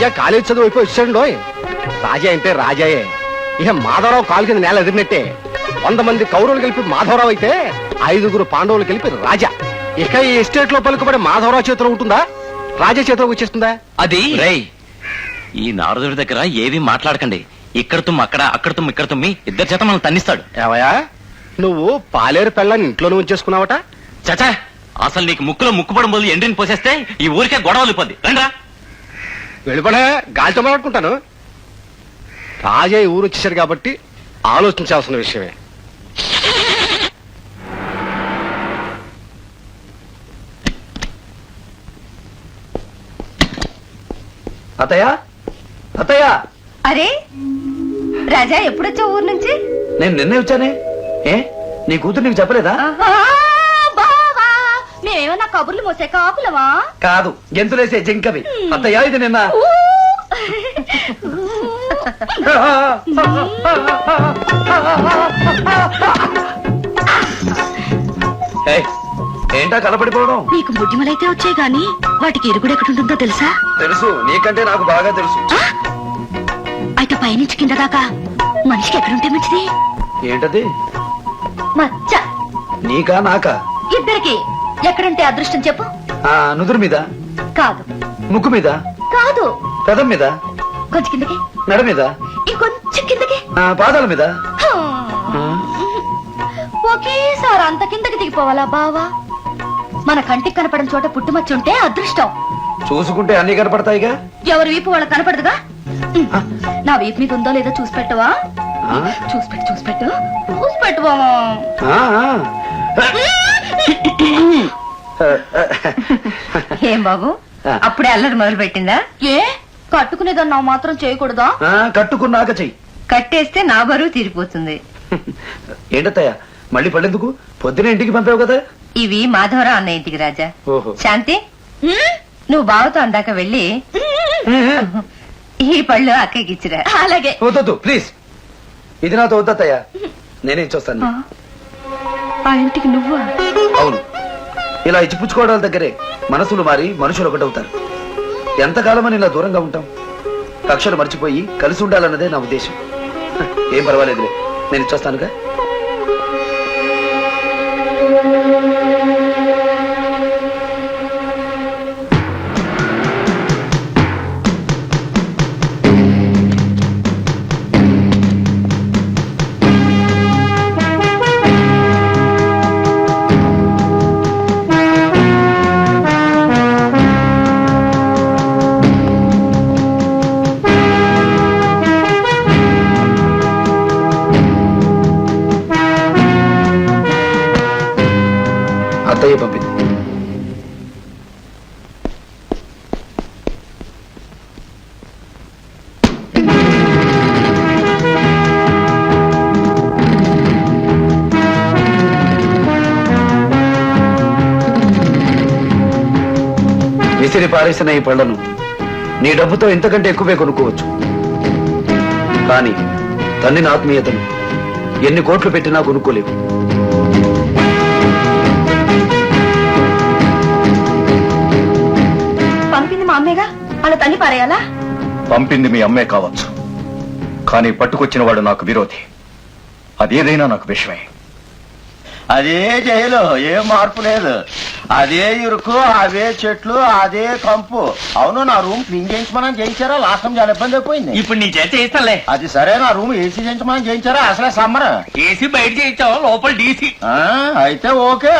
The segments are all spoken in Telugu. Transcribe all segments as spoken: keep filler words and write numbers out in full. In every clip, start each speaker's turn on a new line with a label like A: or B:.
A: రాజా కాలేజ్ చదువు అయిపోయి వచ్చాడు. రాజా అంటే రాజాయే. ఇక మాధవరావు కాలు కింద నేల ఎదిరినట్టే. వంద మంది కౌరవులు కలిపి మాధవరావు అయితే ఐదుగురు పాండవులు కలిపి రాజా. ఇక ఈ ఎస్టేట్ లో పలుకుబడి మాధవరావు చేతిలో ఉంటుందా, రాజా చేతిలోకి వచ్చేస్తుందా?
B: అది రేయ్, ఈ నారదుడి దగ్గర ఏవి మాట్లాడకండి. ఇక్కడ తుమ్ము అక్కడ, అక్కడ తుమ్ము ఇక్కడ తుమ్మి ఇద్దరు చేత మనం తన్నిస్తాడు.
A: ఏవయా, నువ్వు పాలేరు పెళ్ళాన్ని ఇంట్లోనే ఉంచేసుకున్నావట?
B: చచా, అసలు నీకు ముక్కులో ముక్కుపడం బదులు ఎండ్రిని పోసేస్తే ఈ ఊరికే గొడవలు ఇబ్బంది. రండ్రా.
A: వెళ్ళిపడే, గాలితో మాట్లాడుకుంటాను. రాజా ఈ ఊరు వచ్చేసాడు కాబట్టి ఆలోచించాల్సిన విషయమే.
C: అత్తయ్య, అత్తయ్య.
D: అరే రాజా, ఎప్పుడొచ్చా ఊరు నుంచి?
C: నేను నిన్నే వచ్చానే. ఏ నీ కూతురు నీకు చెప్పలేదా?
D: మేమేమన్నా కబుర్లు మోసే కాపులమా?
C: కాదు, గెంతులేసే జింకవి. అత్తయ్య, ఇది నిన్న ఏంటా కలపడిపోవడం?
D: నీకు బుద్ధిమలైతే వచ్చాయి గాని వాటికి ఇరుగుడు ఎక్కడుంటుందో తెలుసా?
C: తెలుసు, నీకంటే నాకు బాగా తెలుసు.
D: అయితే పైనుంచి కింద దాకా మనిషికి ఎక్కడుంటే మంచిది?
C: ఏంటది?
D: మచ్చ.
C: నీకా నాకా?
D: ఇద్దరికి. ఎక్కడుంటే అదృష్టం చెప్పు?
C: ఆ నుదురు మీద
D: కాదు.
C: ముక్కు మీద
D: కాదు.
C: పెదం మీద?
D: కొంచెం కిందకి.
C: మెడ మీద?
D: ఇంకొంచెం కిందకి.
C: పాదాల మీద?
D: ఒకేసారి అంత కిందకి దిగిపోవాలా బావా? మన కంటికి కనపడని చోట పుట్టుమచ్చుంటే అదృష్టం.
C: చూసుకుంటే అన్ని కనపడతాయిగా.
D: ఎవరి వీపు వాళ్ళకి కనపడదుగా. నా వీపు మీద ఉందో లేదో చూసి పెట్టవా? చూసి పెట్టు, చూసి పెట్టు, చూసి పెట్టువా. ఏం బాబు, అప్పుడే అల్లరి మొదలు పెట్టిందా? ఏ కట్టుకునేదన్నా మాత్రం చేయకూడదా?
C: కట్టుకున్నాక చెయ్యి.
D: కట్టేస్తే నా బరువు తీరిపోతుంది.
C: ఏంటత్తయ్య, మళ్ళీ పళ్ళెందుకు? పొద్దున ఇంటికి పంపావు కదా.
D: ఇవి మాధవరావు అన్న ఇంటికి రాజా.
C: ఓహో.
D: శాంతి, నువ్వు బావతో అందాక వెళ్ళి ఈ పళ్ళు అక్కకి ఇచ్చిరా. అలాగే.
C: వద్దు ప్లీజ్, ఇది నాతో వద్దత్తయ్య, నేనే ఇచ్చొస్తాను.
D: ఆ ఇంటికి నువ్వు?
C: అవును, ఇలా ఇచ్చిపుచ్చుకోవడాల దగ్గరే మనసులు మారి మనుషులు ఒకటవుతారు. ఎంతకాలమని ఇలా దూరంగా ఉంటాం? కక్షలు మర్చిపోయి కలిసి ఉండాలన్నదే నా ఉద్దేశం. ఏం పర్వాలేదులే, నేను ఇచ్చొస్తానుగా. అత్తయ్య పంపింది. విసిరి పారేసిన ఈ పళ్లను నీ డబ్బుతో ఇంతకంటే ఎక్కువే కొనుక్కోవచ్చు. కానీ తన్నిన ఆత్మీయతను ఎన్ని కోట్లు పెట్టినా కొనుక్కోలేవు.
D: పంపింది మా అమ్మేగా, అలా తల్లి పారేయాలా?
E: పంపింది మీ అమ్మే కావచ్చు, కానీ పట్టుకొచ్చిన వాడు నాకు విరోధి. అదేదైనా నాకు విషయమే.
F: అదే జైలు, ఏ మార్పు లేదు. అదే ఇరుకు, అవే చెట్లు, అదే కంపు. అవును, నా రూమ్ క్లీన్ చేయించమని చేయించారా? లాస్ట్ టైం చాలా ఇబ్బంది అయిపోయింది.
B: ఇప్పుడు నీ చేత చేయిస్తాలే.
F: అది సరే, నా రూమ్ ఏసీ చేయించమని చేయించారా? అసలే సమ్మర్.
B: ఏసీ బయట చేయించావు, లోపల డీసీ.
F: అయితే ఓకే.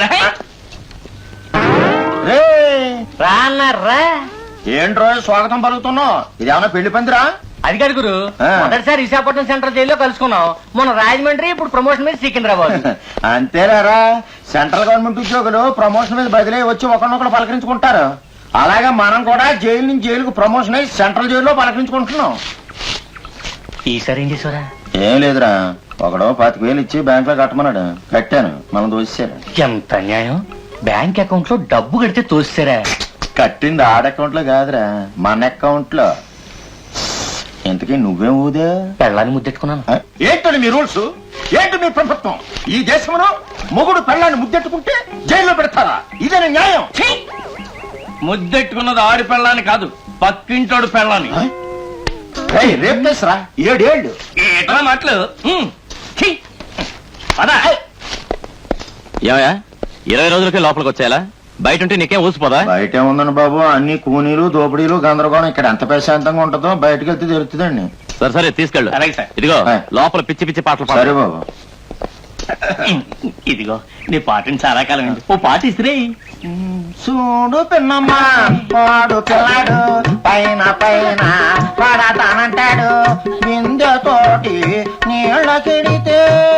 B: రాన్నారా?
F: ఏంట్రో స్వాగతం పలుకుతున్నావు? ఇదేమన్నా పెళ్లి పందిరా?
B: అది కాదు గురు, మొదటిసారి విశాఖపట్నం సెంట్రల్ జైల్లో కలుసుకున్నాం. మన రాజమండ్రి, ఇప్పుడు ప్రమోషన్ మీద సికింద్రాబాద్.
F: అంతేలేరా, సెంట్రల్ గవర్నమెంట్ ఉద్యోగులు ప్రమోషన్ మీద బదిలీ వచ్చి ఒకరినొకరు పలకరించుకుంటారు. అలాగే మనం కూడా జైలు నుంచి జైలుకు ప్రమోషన్ అయ్యి సెంట్రల్ జైల్లో పలకరించుకుంటున్నాం.
B: ఈసారి ఏం చేసారా?
F: ఏం లేదురా, ఒకడో పాతిక వేలు ఇచ్చి బ్యాంక్ లో కట్టమన్నాడు, కట్టాను. మనం దోసేశారు.
B: ఎంత అన్యాయం! బ్యాంక్ అకౌంట్ లో డబ్బు కడితే తోస్తారా?
F: కట్టింది ఆడ అకౌంట్ లో కాదురా, మన అకౌంట్ లో. ఇంతకీ నువ్వేం ఊదే?
B: పెళ్ళాన్ని ముద్దెట్టుకున్నాను.
F: ఏంటండి మీ రూల్స్? ఏంటి మీ ప్రభుత్వం? ఈ దేశంలో మొగుడు పెళ్ళాన్ని ముద్దెట్టుకుంటే జైల్లో పెడతారా? ఇదే న్యాయం?
B: ముద్దెట్టుకున్నది ఆడి పెళ్ళాన్ని కాదు,
G: పక్కింటోడు పెళ్ళాలి
F: ఏయ్, రేపు తెసరా ఏడేళ్ళు
G: ఏట్రా మాటలు హ్మ్. ఛీ. పద.
B: ఏమయ్యా ఇరవై రోజులకే లోపలికి వచ్చేలా బయట ఉంటే నీకేం ఊసిపోదా
F: బయట ఉందండి బాబు అన్ని కూనీలు దోపిడీలు గందరగోళం ఇక్కడ ఎంత ప్రశాంతంగా ఉంటుందో బయటకు వెళ్తే తెలుస్తుందండి.
B: సరే సరే తీసుకెళ్ళు
G: అలాగే సార్.
B: ఇదిగో
F: ఆ.
B: లోపల పిచ్చి పిచ్చి పాటలు పాడు.
F: సరే బాబు.
G: ఇదిగో నీ పాటని చాలా కాలం అయింది. ఓ పాట ఇసిరే.
F: చూడు పిన్నమ్మా వాడు పిల్లాడు పైన పైన పడతానంటాడు బిందెతోటి నీళ్ళ కెడితే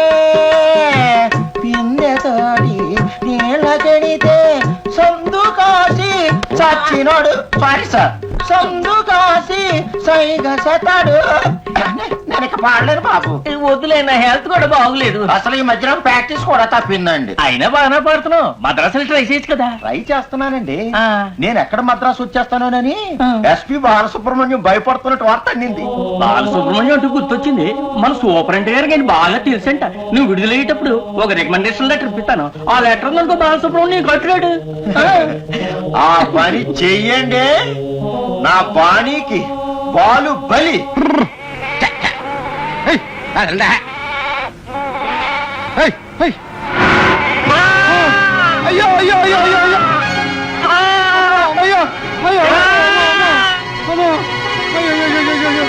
F: బిందెతోటి నీళ్ళ కెడితే సందు కాసి చచ్చినోడు సారీ సార్ సందు కాసి సైగ సతాడు. నేను ఇక పాడలేను బాబు.
G: వద్దులే నా హెల్త్ కూడా బాగులేదు.
F: అసలు ఈ మధ్యన ప్రాక్టీస్ కూడా తప్పిందండి.
G: అయినా బాగానే పాడుతున్నావు. మద్రాసులు ట్రై చేయొచ్చు కదా.
F: ట్రై చేస్తున్నానండి.
G: ఆ.
F: నేను ఎక్కడ మద్రాసు వచ్చేస్తానోనని
G: ఆ.
F: ఎస్పి బాలసుబ్రహ్మణ్యం భయపడుతున్నట్టు వార్త అందింది.
G: బాలసుబ్రహ్మణ్యం అంటూ గుర్తొచ్చింది. మన సూపరింట్ గారికి ఆయన బాగా తెలుసంట. నువ్వు విడుదలయ్యేటప్పుడు ఒక రికమెండేషన్ లెటర్ ఇప్పిస్తాను. ఆ లెటర్ అనుకో బాలసుబ్రహ్మణ్యం కట్టలేడు.
F: ఆ పని చెయ్యండి. నా బాణీకి బాలు బలి.
A: ఏయ్, అదండా. ఏయ్, ఏయ్. అయ్యో అయ్యో అయ్యో అయ్యో అయ్యో అయ్యో అయ్యో అమ్మో. అయ్యో, అయ్యో, అయ్యో, అయ్యో, అయ్యో.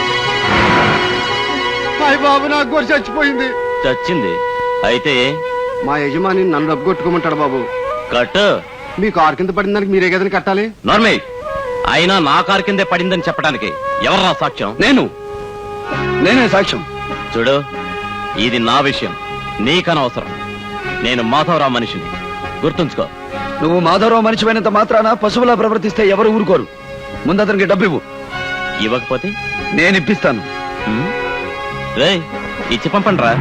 A: హాయ్ బాబు, నాకు గొర్రె చచ్చిపోయింది.
B: చచ్చింది అయితే
A: మా యజమాని నన్ను డబ్బు కొట్టుకోమంటాడు బాబు.
B: కట్టు
A: మీ కారు కింద పడిన దానికి మీరే కదని కట్టాలి.
B: నార్మల్ అయినా నా కారు కిందే పడిందని చెప్పడానికి ఎవరు సాక్ష్యం?
C: నేను నేనే సాక్ష్యం.
B: చూడు ఇది నా విషయం, నీకనవసరం. నేను మాధవరావు మనిషిని, గుర్తుంచుకో.
C: నువ్వు మాధవరావు మనిషిపోయినంత మాత్రాన పశువులా ప్రవర్తిస్తే ఎవరు ఊరుకోరు. ముందు అతనికి డబ్బు ఇవ్వు.
B: ఇవ్వకపోతే
C: నేను ఇప్పిస్తాను.
B: హ్మ్? రేయ్ ఇచ్చి పంపండి రా.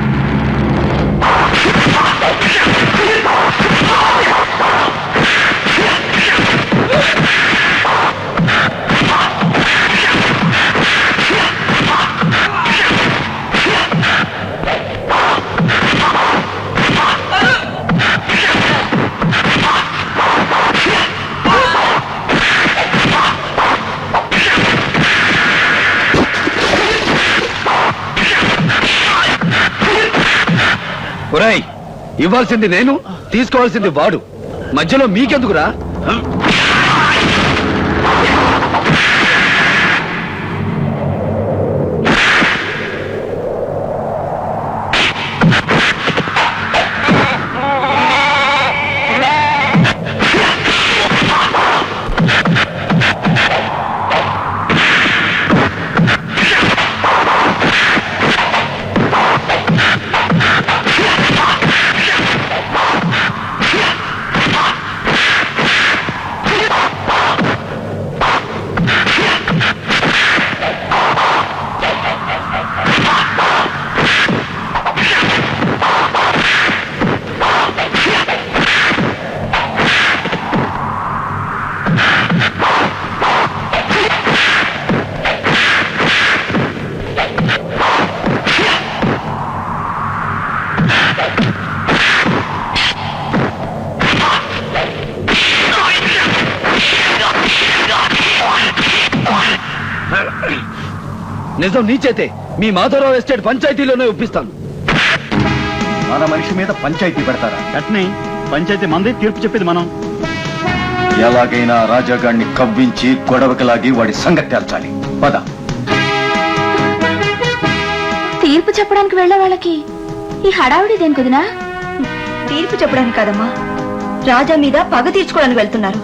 C: ఒరేయ్, ఇవ్వాల్సింది నేను, తీసుకోవాల్సింది వాడు. మధ్యలో మీకెందుకురా? నిజం నీ చేతే మీ మాధవరావు ఎస్టేట్ పంచాయతీలోనే ఒప్పిస్తాను.
E: మన మనిషి మీద పంచాయతీ పెడతారా?
H: అట్నే పంచాయతీ మంది తీర్పు చెప్పేది మనం.
E: ఎలాగైనా రాజాగాడిని కవ్వించి గొడవకి లాగి వాడి సంగతి తేల్చాలి. పద.
D: తీర్పు చెప్పడానికి వెళ్ళే వాళ్ళకి ఈ హడావుడి దేని కుదినా? తీర్పు చెప్పడానికి కాదమ్మా, రాజా మీద పగ తీర్చుకోవడానికి వెళ్తున్నారు.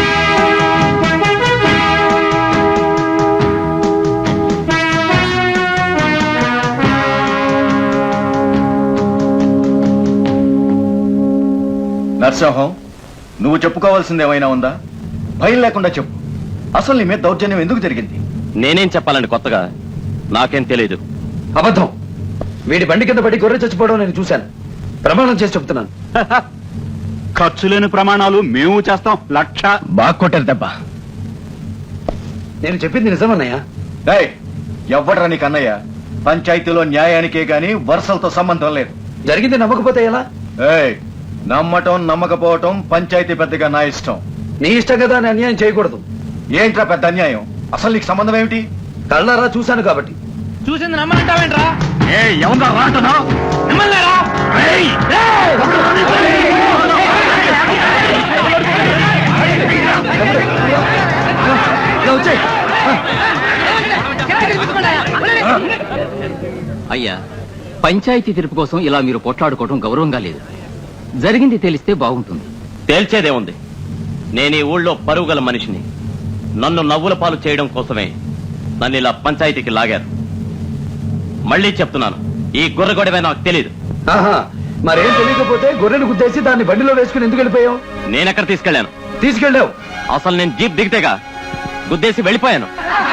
E: నరసింహం, నువ్వు చెప్పుకోవాల్సింది ఏమైనా ఉందా? భయం లేకుండా చెప్పు. అసలు నీ మీద దౌర్జన్యం ఎందుకు జరిగింది?
B: నేనేం చెప్పాలండి కొత్తగా? నాకేం తెలియదు.
C: అబద్ధం. వీడి బండి కింద పడి గొర్రె చచ్చిపోవడం నేను చూశాను. ప్రమాణం చేసి చెప్తున్నాను.
H: ఖర్చు లేని ప్రమాణాలు మేము చేస్తాం. లక్ష.
E: బాగా కొట్టారు దెబ్బ.
C: నేను చెప్పింది నిజమన్నయ్య.
E: ఏయ్, ఎవ్వడ్రా నీకు అన్నయ్య? పంచాయతీలో న్యాయానికే గాని వరుసలతో సంబంధం లేదు.
C: జరిగింది నమ్మకపోతే ఎలా?
E: ఏయ్, నమ్మటం నమ్మకపోవటం పంచాయతీ పెద్దగా నా ఇష్టం.
C: నీ ఇష్టం కదా అని అన్యాయం చేయకూడదు.
E: ఏంట్రా పెద్ద అన్యాయం? అసలు నీకు సంబంధం ఏమిటి?
C: కళ్ళారా చూశాను కాబట్టి.
G: చూసింది నమ్మంటావేంట్రా?
E: ఏ ఎవరా రాటనా?
G: నమ్మలేరా?
C: ఇలా వచ్చేయ్.
I: అయ్యా, పంచాయతీ తీర్పు కోసం ఇలా మీరు పోట్లాడుకోవడం గౌరవంగా లేదు. జరిగింది తెలిస్తే బాగుంటుంది.
B: తేల్చేదేముంది? నేను ఈ ఊళ్ళో పరువు గల మనిషిని. నన్ను నవ్వుల పాలు చేయడం కోసమే నన్ను ఇలా పంచాయతీకి లాగారు. మళ్ళీ చెప్తున్నాను, ఈ గుర్రగొడవే నాకు తెలియదు.
C: ఆహా, మరేం తెలియకపోతే గొర్రెను గుద్దేసి దాన్ని బండిలో వేసుకుని ఎందుకు వెళ్ళిపోయావు?
B: నేనెక్కడ తీసుకెళ్లాను?
C: తీసుకెళ్ళావు.
B: అసలు నేను జీప్ దిగితేగా గుద్దేసి వెళ్ళిపోయాను.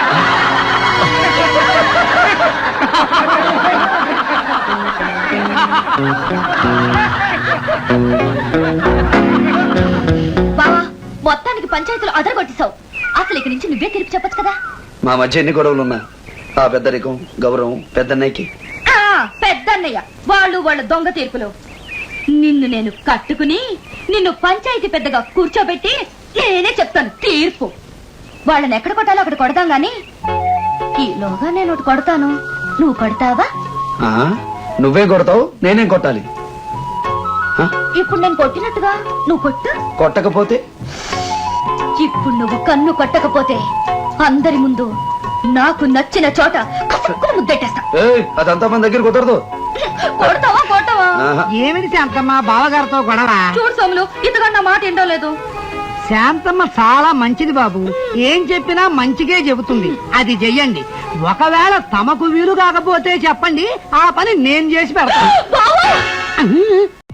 D: బావా, మొత్తానికి పంచాయతీలో అదరగొట్టేశావు. అసలు ఇక్కడి నుంచి నువ్వే తీర్పు చెప్పొచ్చు కదా.
C: మా మధ్య ఎన్ని గొడవలున్నా ఆ పెద్దరికం గౌరవం పెద్దన్నయ్యకి.
D: ఆ, పెద్దన్నయ్య వాళ్ళు వాళ్ళ దొంగ తీర్పులు. నిన్ను నేను కట్టుకుని నిన్ను పంచాయతీ పెద్దగా కూర్చోబెట్టి నేనే చెప్తాను తీర్పు. వాళ్ళని ఎక్కడ కొట్టాలో అక్కడ కొడతాం గాని ఈలోగా నేను ఒకటి కొడతాను, నువ్వు కొడతావా?
C: ఆ, నువ్వే కొడతావు, నేనేం కొట్టాలి? ఆ,
D: ఇప్పుడు నేను కొట్టినట్టుగా నువ్వు కొట్టు.
C: కొట్టకపోతే?
D: ఇప్పుడు నువ్వు కన్ను కొట్టకపోతే అందరి ముందు నాకు నచ్చిన చోట కసుక్కుని ముద్దెట్టేస్తా.
C: ఏయ్, అదంతా మన దగ్గర కుదరదు.
D: కొడతావా కొట్టవా?
C: ఆహా.
J: ఏమిటి శాంతమ్మ బావగారితో గొడవ?
D: చూడు సోములు, ఇంతకన్నా మాట ఏంటో లేదు.
J: శాంతమ్మ చాలా మంచిది బాబు, ఏం చెప్పినా మంచిగే చెబుతుంది. అది చెయ్యండి. ఒకవేళ తమకు వీలు కాకపోతే చెప్పండి, ఆ పని నేను చేసి పెడతాను.
D: బావా!